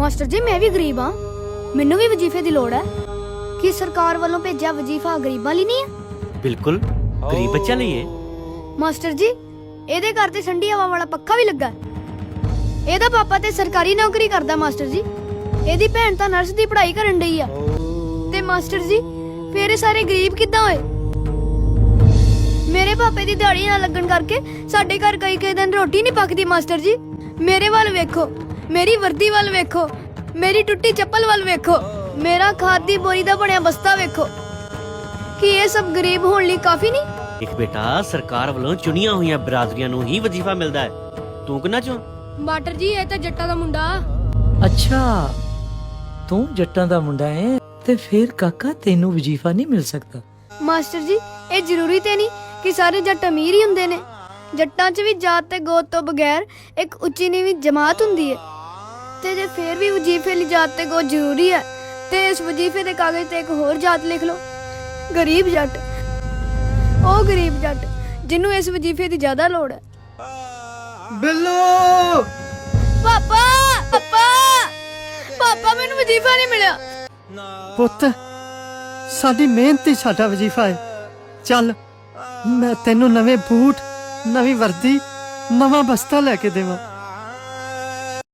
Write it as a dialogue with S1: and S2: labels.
S1: Master ਜੀ ਮੈਂ ਵੀ ਗਰੀਬ ਹਾਂ, ਮੈਨੂੰ ਵੀ ਵਜ਼ੀਫੇ ਦੀ ਲੋੜ ਹੈ। ਕੀ ਸਰਕਾਰ ਵੱਲੋਂ ਭੇਜਿਆ ਵਜ਼ੀਫਾ ਗਰੀਬਾਂ ਲਈ ਨਹੀਂ ਹੈ?
S2: ਬਿਲਕੁਲ ਗਰੀਬ ਬੱਚਿਆਂ ਲਈ ਹੈ।
S1: ਮਾਸਟਰ ਜੀ ਇਹਦੇ ਘਰ ਤੇ ਠੰਡੀ ਹਵਾ ਵਾਲਾ ਪੱਖਾ ਵੀ ਲੱਗਾ। ਇਹਦਾ ਪਾਪਾ ਤੇ ਸਰਕਾਰੀ ਨੌਕਰੀ ਕਰਦਾ ਮਾਸਟਰ ਜੀ। ਇਹਦੀ ਭੈਣ ਤਾਂ ਨਰਸ ਦੀ ਪੜ੍ਹਾਈ ਕਰਨ ਡਈ ਆ। ਤੇ ਮਾਸਟਰ ਜੀ ਫੇਰ ਇਹ ਸਾਰੇ ਗਰੀਬ ਕਿੱਦਾਂ ਹੋਏ? ਮੇਰੇ ਪਾਪੇ ਦੀ ਦਿਹਾੜੀ ਨਾ ਲੱਗਣ ਕਰਕੇ ਸਾਡੇ ਘਰ ਕਈ ਦਿਨ ਰੋਟੀ ਨਹੀਂ ਪੱਕਦੀ। ਮਾਸਟਰ ਜੀ ਮੇਰੇ ਵੱਲ ਵੇਖੋ, ਮੇਰੀ ਵਰਦੀ ਵੱਲ ਵੇਖੋ, ਮੇਰੀ ਟੁੱਟੀ ਚੱਪਲ ਵੱਲ ਵੇਖੋ, ਮੇਰਾ ਖਾਦ ਦੀ ਬੋਰੀ ਦਾ ਬਣਿਆ ਬਸਤਾ ਵੇਖੋ। ਕੀ ਇਹ ਸਭ ਗਰੀਬ ਹੋਣ ਲਈ ਕਾਫੀ ਨਹੀਂ?
S2: ਇੱਕ ਬੇਟਾ ਸਰਕਾਰ ਵੱਲੋਂ ਚੁਣੀਆਂ ਹੋਈਆਂ ਬਰਾਦਰੀਆਂ ਨੂੰ ਹੀ ਵਜ਼ੀਫਾ ਮਿਲਦਾ ਹੈ। ਤੂੰ ਕਿੰਨਾ ਚੋਂ?
S1: ਮਾਸਟਰ ਜੀ ਇਹ ਤਾਂ ਜੱਟਾਂ ਦਾ ਮੁੰਡਾ।
S3: ਅੱਛਾ ਤੂੰ ਜੱਟਾਂ ਦਾ ਮੁੰਡਾ ਹੈ ਤੇ ਫਿਰ ਕਾਕਾ ਤੈਨੂੰ ਵਜ਼ੀਫਾ ਨਹੀਂ ਮਿਲ ਸਕਦਾ।
S1: ਮਾਸਟਰ ਜੀ ਇਹ ਜ਼ਰੂਰੀ ਤੇ ਨਹੀਂ ਕਿ ਸਾਰੇ ਜੱਟ ਅਮੀਰ ਹੀ ਹੁੰਦੇ ਨੇ। ਜੱਟਾਂ 'ਚ ਵੀ ਜਾਤ ਤੇ ਗੋਤ ਤੋਂ ਬਗੈਰ ਇੱਕ ਉੱਚੀ ਨੀਵੀਂ ਜਮਾਤ ਹੁੰਦੀ ਹੈ। ਤੇ ਜੇ ਫੇਰ ਵੀ ਵਜ਼ੀਫੇ ਲਈ ਜਾਤ ਤੇ ਗੋਤ ਜ਼ਰੂਰੀ ਹੈ ਤੇ ਇਸ ਵਜ਼ੀਫੇ ਦੇ ਕਾਗਜ਼ ਤੇ ਇੱਕ ਹੋਰ ਜਾਤ ਲਿਖ ਲਓ, ਗਰੀਬ ਜੱਟ। ਉਹ ਗਰੀਬ ਜੱਟ ਜਿਹਨੂੰ ਇਸ ਵਜ਼ੀਫੇ ਦੀ ਜ਼ਿਆਦਾ ਲੋੜ ਹੈ।
S4: ਬਿੱਲੂ
S1: ਪਾਪਾ ਪਾਪਾ ਪਾਪਾ ਮੈਨੂੰ ਵਜ਼ੀਫਾ ਨਹੀਂ ਮਿਲਿਆ।
S4: ਪੁੱਤ ਸਾਡੀ ਮਿਹਨਤ ਹੀ ਸਾਡਾ ਵਜ਼ੀਫਾ ਹੈ। ਚੱਲ ਮੈਂ ਤੈਨੂੰ ਨਵੇਂ ਬੂਟ, ਨਵੀਂ ਵਰਦੀ, ਨਵਾਂ ਬਸਤਾ ਲੈ ਕੇ ਦੇਵਾਂ।